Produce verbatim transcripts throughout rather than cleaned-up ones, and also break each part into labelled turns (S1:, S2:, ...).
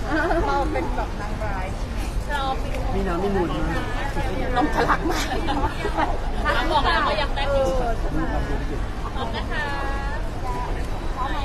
S1: เราเป็นแบบนางร้ายใช่ไหมเราเป็น
S2: มีน้ำมีมูลมาก
S1: นมทะลักมาก
S3: เราบอกแล้วเขาอยากได้ผิวพร้อมนะคะพร้อมไหม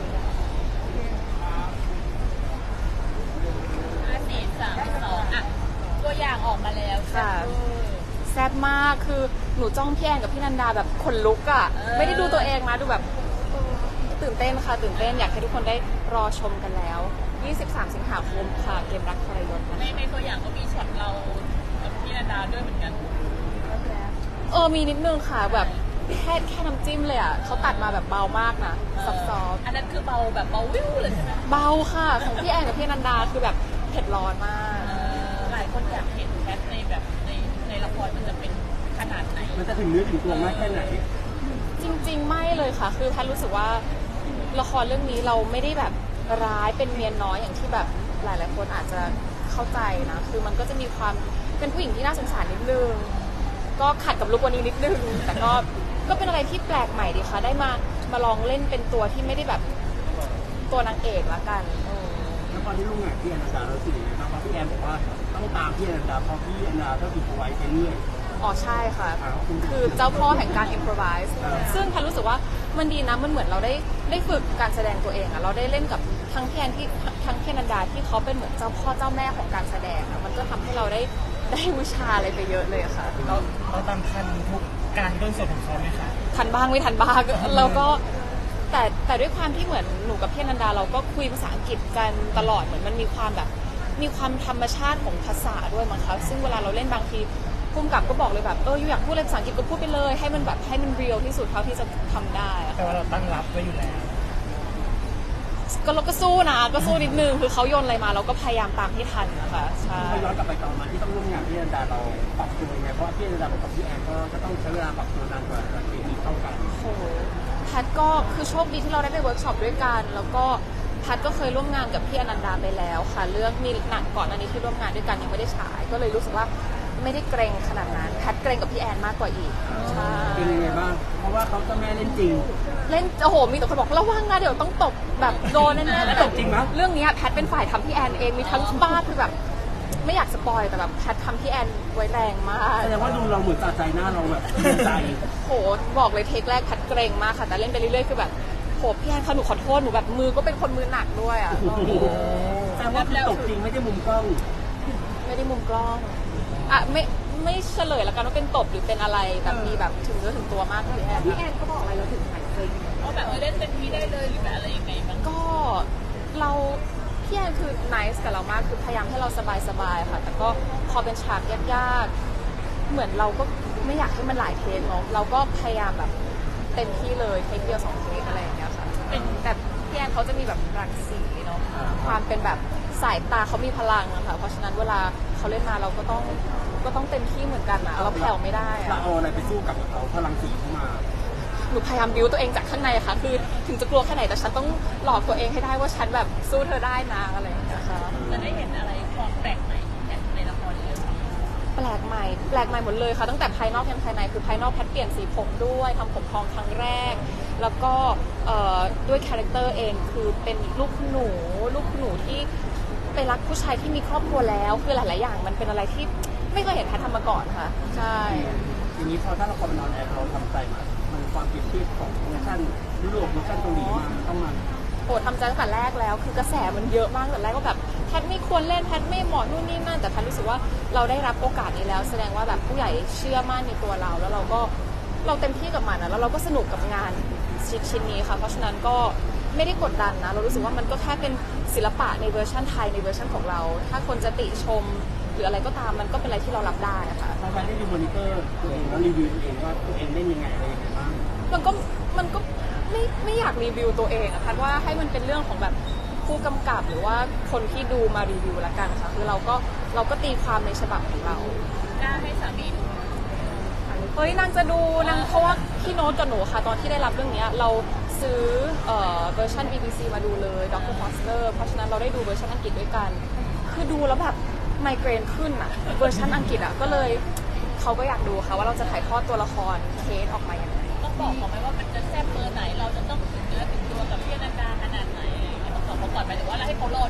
S3: ห้าสี่สามสองอ่ะตัวอย่างออกมาแล้วค่ะ
S1: แซ่บมากคือหนูจ้องพี่แอนกับพี่นันดาแบบขนลุกอ่ะไม่ได้ดูตัวเองนะดูแบบตื่นเต้นค่ะตื่นเต้นอยากให้ทุกคนได้รอชมกันแล้วยี่สิบสามสิงหาคมค่ะเกมรักทรยศนะคะ
S3: ในในตัวอย่างก็มีช็อตเรากับพี่นันดาด้วยเหมือนกัน
S1: เออมีนิดนึงค่ะแบบแค่แค่น้ำจิ้มเลยอ่ะเขาตัดมาแบบเบามากนะซอฟต์
S3: อันนั้นคือเบาแบบเบาวิวเลยใช่ไหม
S1: เบาค่ะของพี่แอนกับพี่นันดาคือแบบเผ็ดร้อนมาก
S3: หลายคนอยากเห็นแคทในแบบในในละครมันจะเป็นขนาดไหน
S2: มันจะถึงเนื้อถึงตัวมากแค่ไหน
S1: จริงๆไม่เลยค่ะคือแพทรู้สึกว่าละครเรื่องนี้เราไม่ได้แบบร้ายเป็นเมียน้อยอย่างที่แบบหลายๆคนอาจจะเข้าใจนะคือมันก็จะมีความเป็นผู้หญิงที่น่าสงสารนิดนึงก็ขัดกับลุควันนี้นิดนึงแต่ก็ก็เป็นอะไรที่แปลกใหม่ดีค่ะได้มามาลองเล่นเป็นตัวที่ไม่ได้แบบตัวนางเอกละกัน
S2: แล้วตอนที่ลุงอ่ะพี่อนันดาเราสื่อไงบ้างเพราะพี่แอนบอกว่าต้องตามพี่อนันดาเพราะพี่อนันดาต้องถูกเอาไว้ไปเรื่อย
S1: อ๋อใช่ค่ะคือเจ้าพ่อแห่งการ improvise ซึ่งแพทรู้สึกว่ามันดีนะมันเหมือนเราได้ได้ฝึกการแสดงตัวเองอะเราได้เล่นกับทั้งพี่แอนที่ทั้งพี่อนันดาที่เขาเป็นเหมือนเจ้าพ่อเจ้าแม่ของการแสดงอะมันก็ทำให้เราได้ได้วิชาอะไรไปเยอะเลยค่ะ
S4: เราเราตามทันทุกการต้นสดของเขาไหมคะ
S1: ทันบ้างไม่ทันบ้างแล้วก็แต่แต่ด้วยความที่เหมือนหนูกับพี่อนันดาเราก็คุยภาษาอังกฤษกันตลอดเหมือนมันมีความแบบมีความธรรมชาติของภาษาด้วยมั้งคะซึ่งเวลาเราเล่นบางทีพุ่มกับก็บอกเลยแบบเอออยู่อยากพูดอะไรภาษาอังกฤษก็พูดไปเลยให้มันแบบให้มันเรียลที่สุดเท่าที่จะทำได้
S4: แต่ว่าเราตั้งรับไว้อยู่แล้ว
S1: ก็เราก็สู้นะก็สู้นิดนึงคือเขาโยนอะไรมาเราก็พยายามตามให้ทันนะคะใช่
S2: ย้อนกลับไปตอนมาที่ต้องร่วมงานพี่อนันดาเราปรับตัวยังไงเพราะพี่อนันดากับพี่แอนก็ต้องใช้เวลาปรับตัวนานกว่าการเคมีเข้ากัน
S1: โอ้แพทก็คือโชคดีที่เราได้ไปเวิร์กช็อปด้วยกันแล้วก็แพทก็เคยร่วมงานกับพี่อนันดาไปแล้วค่ะเรื่องมีหนังก่อนอันนี้ที่ร่วมงานด้วยกันยังไม่ได้ฉายก็เลยรู้สึกว่าไม่ได้เกรงขนาดนั้นแพทเกรงกับพี่แอนมากกว่าอีก
S2: ใช่เป็นยังไงบ้างเพราะว่าเขาจะแม่เล่นจริง
S1: เล่นโอ้โหมีแต่คนบอกระวังนะเดี๋ยวต้องตบแบบโดนแน่
S2: ๆตบจริงมั้ย
S1: เรื่องนี้แพทเป็นฝ่ายทำพี่แอนเองมีทั้งบ้าคือแบบไม่อยากสปอยแต่แบบแพททำพี่แอนไว้แรงมาก
S2: แสดงว่าดูเราเหมือนสะใจหน้าเราแบบใจ
S1: โหบอกเลยเทคแรกแพทเกรงมากค่ะแต่เล่นไปเรื่อยๆคือแบบโหพี่แอนเขาหนูขอโทษหนูแบบมือก็เป็นคนมือหนักด้วยอ่ะ
S2: แต่ว่าตบจริงไม่ได้มุมกล้อง
S1: ไม่ได้มุมกล้องอ่ะไม่ไม่เฉลยแล้วกันว่าเป็นตบหรือเป็นอะไรแบบมีแบบถึงเนื้อถึงตัวมากพี่แอน
S3: พี่แอนเขาบอกอะไรเราถึงหายเลยเขาแบบเออเล่นเป็นพี่ได้เลยหรือแบบอะไรยังไงบ้าง
S1: ก็เราพี่แอนคือ nice กับเรามากคือพยายามให้เราสบายๆค่ะแต่ก็พอเป็นฉากยากๆเหมือนเราก็ไม่อยากให้มันหลายเทคเนาะเราก็พยายามแบบเต็มที่เลยเทคเดียวสองเทคอะไรอย่างเงี้ยค่ะแต่พี่แอนเขาจะมีแบบรังสีเนาะความเป็นแบบสายตาเขามีพลังอะค่ะเพราะฉะนั้นเวลาเขาเล่นมาเราก็ต้องก็ต้องเต็มที่เหมือนกันนะเราแผ่วไม่ได้อะ
S2: เราเอาอะไรไปสู้กับเขาพลังสีเข้ามา
S1: หนูพยายามบิวตัวเองจากข้างในค่ะคือถึงจะกลัวแค่ไหนแต่ฉันต้องหลอกตัวเองให้ได้ว่าฉันแบบสู้เธอได้นะอะไรอย่างเงี้ยค่ะ
S3: จะได้เห็นอะไรความแปลกใหม่ในละครเรื่องนี้
S1: แปลกใหม่แปลกใหม่หมดเลยค่ะตั้งแต่ภายนอกยันภายในคือภายนอกแพทเปลี่ยนสีผมด้วยทำผมทองครั้งแรกแล้วก็ด้วยคาแรคเตอร์เองคือเป็นลูกหนูลูกหนูที่ไปรักผู้ชายที่มีครอบครัวแล้วคือหลายๆอย่างมันเป็นอะไรที่ไม่เคยเห็นแพททำมาก่อนค่ะใช่
S2: ทีนี้พอถ้าเราคอมนอนแอร์เราทำใจมามันความเปรียบเทียบของเวอร์ชันยุโรปเวอร์ชันเกาหลีมาต้องมา
S1: โอ้ทำใจตั้งแต่แรกแล้วคือกระแสมันเยอะมากแต่แรกก็แบบแพทไม่ควรเล่นแพทไม่เหมาะนู่นนี่นั่นแต่แพทรู้สึกว่าเราได้รับโอกาสนี้แล้วแสดงว่าแบบผู้ใหญ่เชื่อมั่นในตัวเราแล้วเราก็เราเต็มที่กับมันนะแล้วเราก็สนุกกับงานชิ้นนี้ค่ะเพราะฉะนั้นก็ไม่ได้กดดันนะเรารู้สึกว่ามันก็แค่เป็นศิลปะในเวอร์ชันไทยในเวอร์ชันของเราถ้าคนจะติชมหรืออะไรก็ตามมันก็เป็นอะไรที่เรารับได้ค่ะ
S2: พอไปได้ดูมอนิเตอร์ตัวเองแล้วรีวิวตัวเองว่าตัวเองเล่นยังไงอะไรยังไงบ้าง
S1: มันก็มันก็ไม่ไม่อยากรีวิวตัวเองอะพัดว่าให้มันเป็นเรื่องของแบบผู้กำกับหรือว่าคนที่ดูมารีวิวละกันค่ะคือเราก็เราก็ตีความในฉบับของเรา
S3: กล้าให้สามีดู
S1: เฮ้ยนางจะดูนางเพราะว่าพี่โน้ตกับหนูค่ะตอนที่ได้รับเรื่องนี้เราซื้อเอ่อเวอร์ชัน บี บี ซี มาดูเลยด็อกเตอร์ฟอสเตอร์เพราะฉะนั้นเราได้ดูเวอร์ชันอังกฤษด้วยกันคือดูแล้วแบบไมเกรนขึ้นอะเวอร์ชันอังกฤษอะก็เลยเขาก็อยากดูค่ะว่าเราจะถ่ายทอดตัวละครเคสออกมาอย่างไร
S3: ต้องบอกเขาไหมว่ามันจะแซ่บเบอร์ไหนเราจะต้องถึงเนื้อถึงตัวกับพี่อนันดาขนาดไหนต้องบอกเขาก่อนไหมหรือว่าเราให้เขารอดู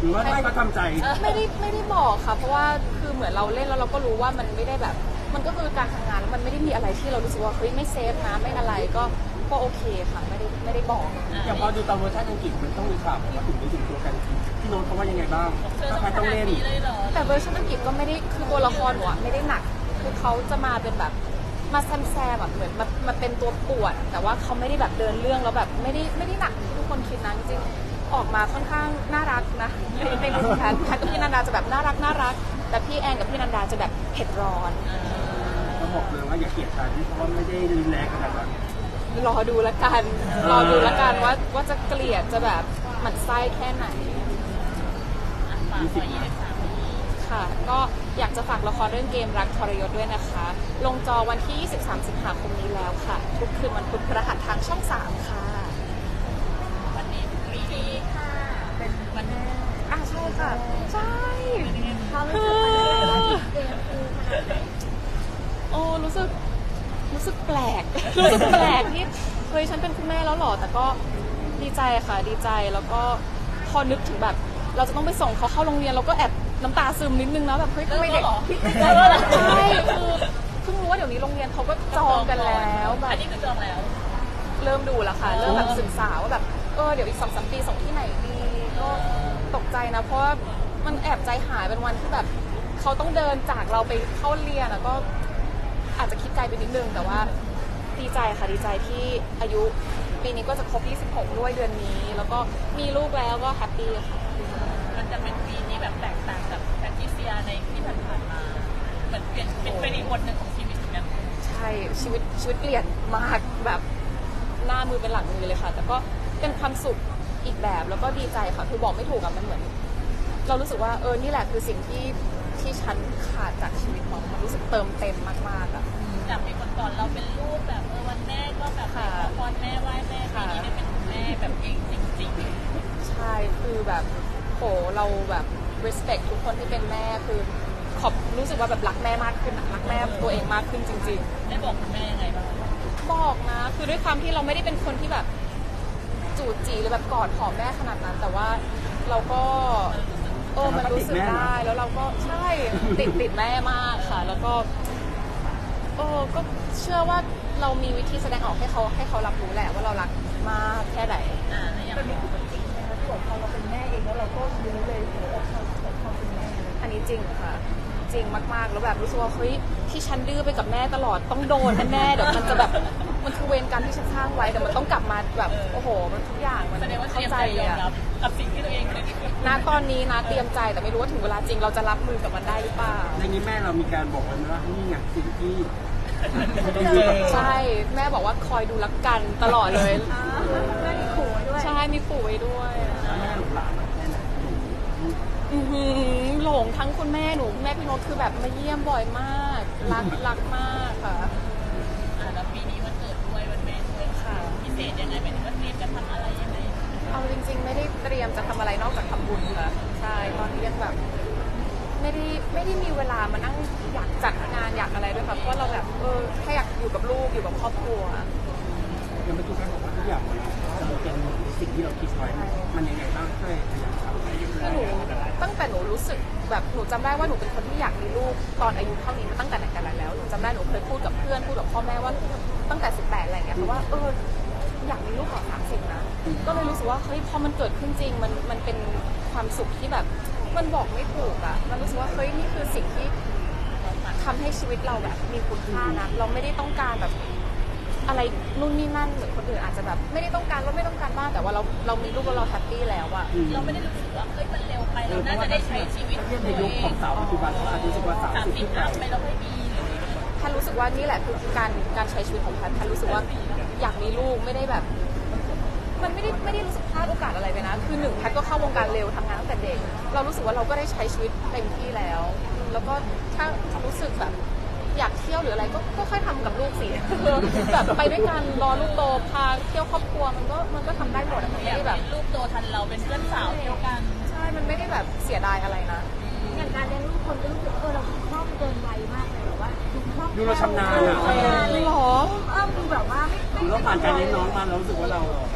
S2: หรือว่าให้เขาทำใจ
S1: ไม่ได้ไม่ได้บอกค่ะ เพราะว่าคือเหมือนเราเล่นแล้วเราก็รู้ว่ามันไม่ได้แบบ มันก็คือการทำงานแล้วมันไม่ได้มีอะไรที่เรารู้สึกว่าเฮ้ยไม่เซฟนะไม่อะไรก็ก็โอเคค่ะไม่ได้ไม่ได้บอก
S2: อย่างพอดูตอนเวอร์ชันอังกฤษมันต้องมีฉากแบบว่าถึงไม่ถึงตัวกันพี่โน้ตเขาว่ายังไงบ้าง
S3: เธอ
S2: ถ้า
S3: ต้อง
S2: ใคร
S3: ข
S2: ต้อง
S3: นาด
S2: เล่น
S3: นี้เลยเหรอ
S1: แต่เวอร์ชันอังกฤษก็ไม่ได้คือตัวละครหนูอะไม่ได้หนัก คือเขาจะมาเป็นแบบมาแซมแซมแบบเหมือนมามาเป็นตัวปวด แต่ว่าเขาไม่ได้แบบเดินเรื่องแล้วแบบไม่ได้ไม่ได้หนักที่ทุกคนคิดนะจริงๆออกมาค่อนข้างน่ารักนะในในมุมแพทแพทกับพี่นันดาจะแบบน่ารักน่ารัก แต่พี่แอนกับพี่นันดาจะแบบเผ็ดร้อน
S2: เขาบอกเลยว่าอย่าเกลียดกันเพราะว่าไม่ได้รุนแรงขนาดนั้น
S1: รอดูละกัน รอดูละกันว่าว่าจะเกลียดจะแบบหมั่นไส้แค่ไหน
S3: อ่ะฝากไว้ยี่สิบสามปี
S1: ค่ะ ก็อยากจะฝากละครเรื่องเกมรักทรยศด้วยนะคะ ลงจอวันที่ ยี่สิบสาม สิงหาคมนี้แล้วค่ะ ทุกคืนวันพุธพฤหัสทางช่อง สาม ค่ะ
S3: วันนี้ปีนี้ค่ะ เป็นวันแม่
S1: อ่ะใช่ค่ะ ใช่
S3: เขา
S1: คื
S3: รู้สึก
S1: อ
S3: เกมคูขนาดไหน
S1: โอ้รู้สึกรู้สึกแปลก รู้สึกแปลกที่เฮ้ยฉันเป็นคุณแม่แล้วเหรอ แต่ก็ดีใจค่ะ ดีใจแล้วก็พอนึกถึงแบบ เราจะต้องไปส่งเขาเข้าโรงเรียนเราก็แอบน้ำตาซึมนิดนึงนะแบบเฮ้ยทำไมเด็ก
S3: เริ่มแล้วเหรอ
S1: ใช่คือเพิ่งรู้ว่าเดี๋ยวนี้โรงเรียนเขาก็จองกันแล้วแบ
S3: อั
S1: บ
S3: นนี้คือจองแล้ว
S1: เริ่มดูแล้วค่ะ เริ่มแบบศึกษาว่าแบบเออเดี๋ยวอีกสองสามปีส่งที่ไหนดีก็ตกใจนะ เพราะว่ามันแอบใจหายเป็นวันที่แบบเขาต้องเดินจากเราไปเข้าเรียนแล้วก็อาจจะคิดไกลไปนิดนึงแต่ว่าดีใจค่ะดีใจที่อายุปีนี้ก็จะครบยี่สิบหกด้วยเดือนนี้ แล้วก็มีลูกแล้วก็แฮปปี้ค่ะ
S3: มันจะเป็นปีนี้แบบแตกต่างจากแพทริเซียในที่ผ่านๆมาเหมือนเปลี่ยนเป็นเป็นอีกบทหนึ่งของชีวิตเหมือนกัน
S1: ใช่ชีวิตชีวิตเปลี่ยนมากแบบหน้ามือเป็นหลังมือเลยค่ะ แต่ก็เป็นความสุขอีกแบบแล้วก็ดีใจค่ะคือบอกไม่ถูกอะมันเหมือน เรารู้สึกว่าเออนี่แหละคือสิ่งที่ที่ฉันขาดจากชีวิตของมันรู้สึกเติมเต็มมากๆอะ
S3: จากปีก่อนๆเราเป็นลูกแบบเออวันแม่ก็แบบข
S1: ค่ะ
S3: อพรแม่ไหว้แม่ปีนี้ได้เป็นคุณแม่แบบเองจริง
S1: ใช่คือแบบโหเราแบบ respect ทุกคนที่เป็นแม่คือขอบรู้สึกว่าแบบรักแม่มากขึ้นอะรักแม่ตัวเองมากขึ้นจริง
S3: ๆ ได้บอกคุณแม่ยังไงบ้าง
S1: ๆ บอกนะ คือด้วยความที่เราไม่ได้เป็นคนที่แบบจูดจีหรือแบบกอดหอมแม่ขนาดนั้น แต่ว่าเราก็เออมันรู้สึกได้แล้วเราก็ใช่ติดติดแม่มากค่ะ แล้วก็เออก็เชื่อว่าเรามีวิธีแสดงออกให้เขาให้เขารับรู้แหละว่าเรารักมากแค่ไหน
S3: อ่าแล้วยัง
S5: เป็นนี่คือจริงนะคะที่บอกพอเราเป็นแม่เองแล้วเราก็รู้เลยหัวอกเขาของความเป็นแม่
S1: อันนี้จริงค่ะ จริงมากๆ แล้วแบบรู้สึกว่าเฮ้ยที่ฉันดื้อไปกับแม่ตลอดต้องโดนแน่ๆเดี๋ยวมันจะแบบมันคือเวรกรรมที่ฉันสร้างไว้เดี๋ยวมันต้องกลับมาแบบโอ้โหมันทุกอย่างมัน
S3: แสดงว่าเต
S1: เข้า
S3: รียม
S1: ใจ
S3: ใจ
S1: เลย
S3: ยอม
S1: อะ
S3: รับกับสิ่งที่ตัวเองเคย
S1: ณตอนนี้นะเตรียมใจแต่ไม่รู้ว่าถึงเวลาจริงเราจะรับมือกับมันได้หรือเปล่า
S2: ในนี้แม่เรามีการบอกกันว่านี่ไงสิ่งที่
S1: ใช่แม่บอกว่าคอยดูรักกันตลอดเลย
S5: แม่มีขู่ไว้ด้วย
S1: ใช่มีปู่ไว้ด้วย
S2: แม่หลงหลานแค่ไหน
S1: อือหือหลงทั้งคุณแม่หนูคุณแม่พี่โน้ตคือแบบมาเยี่ยมบ่อยมากรักรักมากค่ะ
S3: อ่าแล้วปีนี้วันเกิดด้วยวันแม่ด้วย
S1: ค่ะ
S3: พิเศษยังไงหมายถึงว่าเตรียมจะทำอะไรยังไง
S1: เอาจริงๆ ไม่ได้เตรียมจะทำอะไรนอกจากทำบุญค่ะใช่ตอนนี้ยังแบบไม่ได้ไม่ได้มีเวลามานั่งอยากจัดงานอยากอะไรด้วยค่ะเพราะว่าเราแบบเออแค่อยากอยู่กับลูกอยู่กับครอบครัว
S2: ยังไม่ทุกท่านบอกว่าทุกอย่างมันจะเป็นสิ่งที่เราคิดไว้มันยังไงบ้างช่วยพยายามทำให้
S1: คือหนูตั้งแต่หนูรู้สึกแบบหนูจำได้ว่าหนูเป็นคนที่อยากมีลูกตอนอายุเท่านี้มาตั้งแต่ไหนแต่ไรแล้วหนูจำได้หนูเคยพูดกับเพื่อนพูดกับพ่อแม่ว่าตั้งแต่สิบแปดอะไรอย่างเงี้ยเพราะว่าเอออยากมีลูกก่อนสามสิบนะก็เลยรู้สึกว่าเฮ้ยพอมันเกิดขึ้นจริงมันมันเป็นความสุขที่แบบมันบอกไม่ถูกอ่ะมันรู้สึกว่าเฮ้ยนี่คือสิ่งที่ทำให้ชีวิตเราแบบมีคุณค่านะเราไม่ได้ต้องการแบบอะไรนู่นนี่นั่นเหมือนคนอื่นอาจจะแบบไม่ได้ต้องการเราไม่ต้องการมากแต่ว่าเราเรามีลูกแล้วเราแฮปปี้แล้วอะ
S3: เราไม่ได้รู้สึกว่าเฮ้ยมันเร็วไปเราน่าจะได้ใช้ชีวิต
S2: เทียบในยุคของสาวปัจจุบันเขาอาจจะรู้สึกว่าสาว
S3: สาม
S2: สิบ
S3: สิบ
S2: ขึ้นไป
S3: อัพไปแล้วไม่มีหรือ
S1: แพทย์รู้สึกว่านี่แหละคือการการใช้ชีวิตของแพทย์แพทย์รู้สึกว่าอยากมีลูกไม่ได้แบบ มันไม่ได้ไม่ได้รู้สึกพลาดโอกาสอะไรไปนะ คือหนึ่งแพทย์ก็เข้าวงการเร็วทำงานตั้งแต่เด็ก เรารู้สึกว่าเราก็ได้ใช้ชีวิตเต็มที่แล้ว แล้วก็ถ้ารู้สึกแบบอยากเที่ยวหรืออะไรก็ก็ค่อยทำกับลูกสิ แบบไปด้วยกันรอลูกโตพาเที่ยวครอบครัวมันก็มันก็ทำได้หมดอะมัน
S3: อ
S1: ไม่
S3: ยาก
S1: ได้แบบ
S3: เป็นลูกโตทันเราเป็นเพื่อนสาวเที่ยวกัน
S1: ใช่ มันไม่ได้แบบเสียดายอะไรนะ
S5: อย่างการเลี้ยงลูกคนก็รู้สึกเออเราคล่องเกินวัยมากเลยแบบว่าดูคล่อง
S2: ดูเราชำนาญ
S5: เอ
S2: อ่ะ
S5: อชำนาญเลย
S1: หรอ
S5: เออดูแบบว่าไม่ไม่
S2: ดูเราผ่านการเลี้ยงน้องมาเรารู้สึกว่าเรา
S5: เ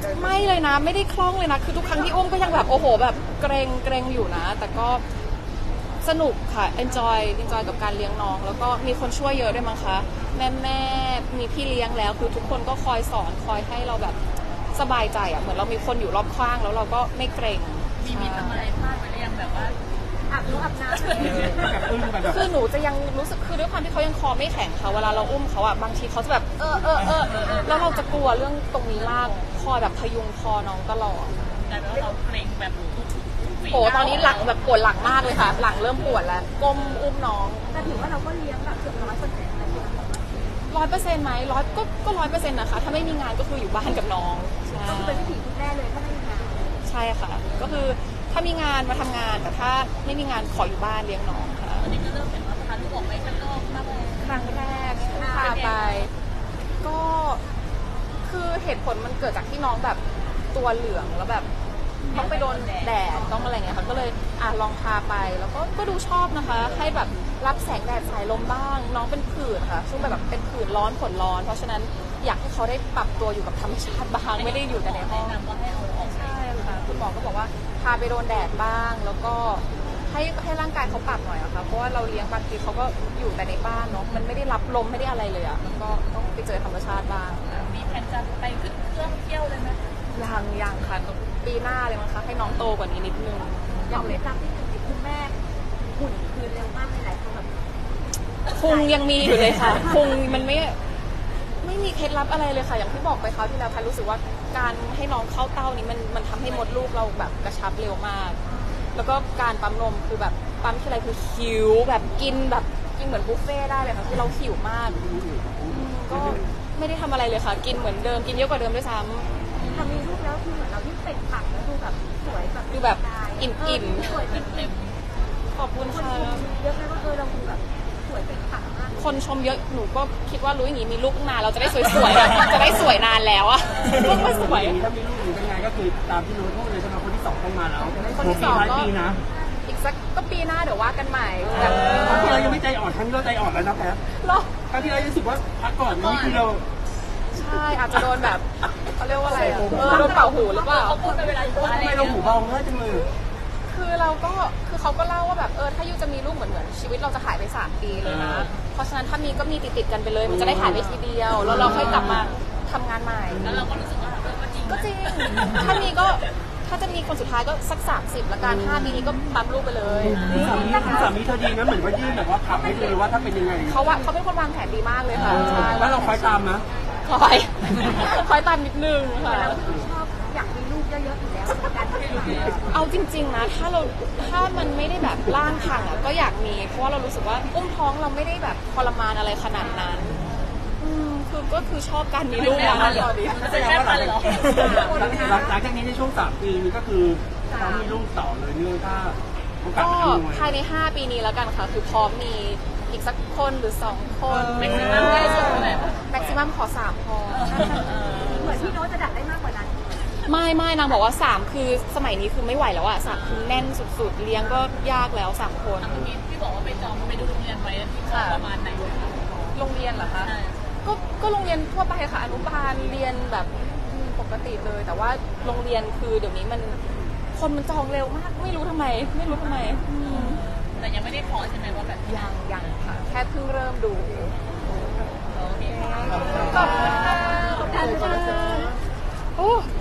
S5: เดิน
S1: ไม่เลยนะไม่ได้คล่องเลยนะคือทุกครั้งที่อุ้มก็ยังแบบโอ้โหแบบเกรงเกรงอยู่นะ แต่ก็สนุกค่ะ enjoy enjoy กับการเลี้ยงน้อง แล้วก็มีคนช่วยเยอะด้วยมั้งคะแม่แม่มีพี่เลี้ยงแล้วคือทุกคนก็คอยสอนคอยให้เราแบบสบายใจอ่ะเหมือนเรามีคนอยู่รอบข้างแล้วเราก็ไม่เกรง
S3: มีมีทำอะไรพลาดไปหรือยังแบบว่า
S5: อาบน้ำอาบน้ำ
S2: แบบอึ้งแบบแบบ
S1: คือหนูจะยังรู้สึกคือด้วยความที่เขายังคอไม่แข็งค่ะเวลาเราอุ้มเขาอ่ะบางทีเขาจะแบบเออเออเออแล้วเราจะกลัวเรื่องตรงนี้มากคอยแบบพยุงคอน้องตลอด
S3: แต่ว่าเราเกรงแบบ
S1: โอ้ตอนนี้หลังแบบปวดหลังมากเลยค่ะ หลังเริ่มปวดแล้วก้มอุ้มน้อง
S5: แต่ถือว่าเราก็เลี้ยงแบบเกือบร้อยเปอร์เซ็นต์เลยนะ
S1: ร้อยเปอร์เซ็นต์ไหมร้อยก็ก็ร้อยเปอร์เซ็นต์นะคะถ้าไม่มีงานก็คืออยู่บ้านกับน้องใช่
S5: ก็คือเป็นวิถีคุณแม่เลยถ้าไม่มีงาน
S1: ใช่ค่ะ ก็คือถ้ามีงานมาทำงานแต่ถ้าไม่มีงานขออยู่บ้านเลี้ยงน้องค่ะ
S3: ตอนนี้ก็เริ่มเห็นว่าพาลูกออกไปข้างนอกมากเลย
S1: ครั้งแรกพาไป ก็คือเหตุผลมันเกิดจากที่น้องแบบตัวเหลืองแล้วแบบต้องไปโดนแดดต้องอะไรเงี้ยค่ะก็เลยอ่ะลองพาไปแล้วก็ก็ดูชอบนะคะ ให้แบบรับแสงแดดสายลมบ้าง น้องเป็นผื่นค่ะช่วงแบบเป็นผื่นร้อนผลร้อน เพราะฉะนั้นอยากให้เขาได้ปรับตัวอยู่กับธรรมชาติบ้างไม่ได้อยู่แต่ในห้อง
S3: แนะนำว่าให้เอาออก
S1: ใช่ค่ะคุณหมอก็บอกว่าพาไปโดนแดดบ้าง แล้วก็ให้ให้ร่างกายเขาปรับหน่อยอะค่ะเพราะว่าเราเลี้ยงบางทีเขาก็อยู่แต่ในบ้านเนาะมันไม่ได้รับลมไม่ได้อะไรเลยอะมันก็ต้องไปเจอธรรมชาติบ้าง
S3: มีแผนจะไปขึ้นเครื่องเที่ยวเลยไหม
S1: ยังยังค่ะปีหน้าเลยมั้งคะให้น้องโตกว่านี้นิดนึง
S5: อย่างเคล็ดลับที่คือคุณแม่หุ่นคืนเร็วมากในหลายคนแบบ
S1: พุงยังมีอยู่เลยค่ะพุงมันไม่ไม่มีเคล็ดลับอะไรเลยค่ะ อย่างที่บอกไปคราวที่แล้วค่ะรู้สึกว่าการให้น้องเข้าเต้านี้มันมันทำให้มดลูกเราแบบกระชับเร็วมาก แล้วก็การปั๊มนมคือแบบปั๊มทีไรคือหิวแบบกินแบบกินเหมือนบุฟเฟ่ต์ได้เลยค่ะคือเราหิวมากอืมก็ไม่ได้ทำอะไรเลยค่ะ กินเหมือนเดิมกินเยอะกว่าเดิมด้วยซ้ำ
S5: ทำมีลูกแล้วคือเหมือนเรายิ่งเปล่งปลั่งแล้วดูแบบสวยแบบ
S1: ดูแบบอิ่มๆ
S5: สวยเป็น
S3: เต็ม
S1: ขอบคุณ
S5: คน
S1: ค่ะ
S5: ชมเยอะเลยว่าเออเราดูแบบสวยเป็นปลั่งมาก
S1: คนชมเยอะหนูก็คิดว่ารู้อย่างนี้มีลูกนานเราจะได้สวยๆอะจะได้สวยนานแล้วอะลูกมาสวย
S2: อย่างนี้ถ้ามีลูกหรือเป็นไงก็คือตามที่รู้พูดเลยใช่ไหมคนที่สองต้องมาแล้ว
S1: คนที่สอง
S2: หลาย
S1: ก็
S2: ปีนะ
S1: อีกสักก็ปีหน้าเดี๋ยวว่ากันใหม่แบบ
S2: ครั้งที่เรายังไม่ใจอ่อนครั้งนี้เราใจอ่อนแล้วนะแพท
S1: หรอ
S2: ครั้งที่เรารู้สึกว่าพักก่อนนี่คือเรา
S1: ใช่อาจจะโดนแบบเขาเรียกว่าอะไรอะเออโดนเป่าหูหรือเปล่า
S3: เขาพูดไปเวลาอยู่บ้าน
S2: ทำไมเราหูเบาง่ายจังเลย
S1: คือเราก็คือเขาก็เล่าว่าแบบเออถ้ายูจะมีลูกเหมือนเหมือนชีวิตเราจะหายไปสามปีเลยนะ เพราะฉะนั้นถ้ามีก็มีติดติดๆกันไปเลย มันจะได้หายไปทีเดียวแล้วเราค่อยกลับมาทำงานใหม่
S3: แล้วเราก็รู้สึกว่าเออก็จริง
S1: ก็จริง ถ้ามีก็ถ้าจะมีคนสุดท้ายก็สักสามสิบละกันห้าปีนี้ก็ปั๊มลูกไปเลย
S2: คุณสามีคุณสามีเธอดีนะเหมือนว่ายื่นแบบว่าขับให้ดูเลยว่าถ้าเป็นยังไง
S1: เขาว่าเขาเป็นคนวางแผนดีมากเลยค่ะใช่
S2: แล้วเราคอยตามนะ
S1: คอย คอยตามนิดนึงค่ะ
S5: เราคือชอบอยากมีลูกเยอะๆอยู่แล้วเหมือนกัน
S1: เอาจริง ๆนะถ้าเราถ้ามันไม่ได้แบบร่างพังอ่ะก็อยากมีเพราะว่าเรารู้สึกว่าอุ้มท้องเราไม่ได้แบบทรมานอะไรขนาดนั้นอืมคือก็คือชอบการมีลูกนะตอนนี้
S2: แสดงว่าหลังหลังจากนี้ในช่วงสามปีนี้ก็คือเขามีลูกต่อเลยเนื่องถ้าโอกาส
S1: ก็
S2: มันอำนวย
S1: ภายในห้าปีนี้แล้วกันค่ะ คือพร้อมมีอีกสักคนหรือสองคน
S3: แม็กซิมัมได้สุดเลย
S1: แม็กซิมัมขอสามพอ
S5: เหมือนพี่โน้ตจะดัดได้มากกว่านั้น
S1: ไม่ไม่นางบอกว่าสามคือสมัยนี้คือไม่ไหวแล้วอะสามคือแน่นสุดๆ เลี้ยงก็ยากแล้วสามคน
S3: เมื่อกี้ที่บอกว่าไปจองไปดูโรงเรียนไว้ที่ประมาณไหนคะ
S1: โรงเรียนเหรอคะ
S3: ใช่
S1: ก็ก็โรงเรียนทั่วไปค่ะอนุบาลเรียนแบบอืมปกติเลย แต่ว่าโรงเรียนคือเดี๋ยวนี้มันคนมันจองเร็วมาก ไม่รู้ทำไม ไม่รู้ทำไมอืม
S3: แต่ยังไม่ได้ขอใช่ไหมว่าแบบ
S1: ยังยังค่ะ แค่เพิ่งเริ่มดู
S3: โอเค
S1: ขอบคุณค่ะขอบคุณค่ะโอ้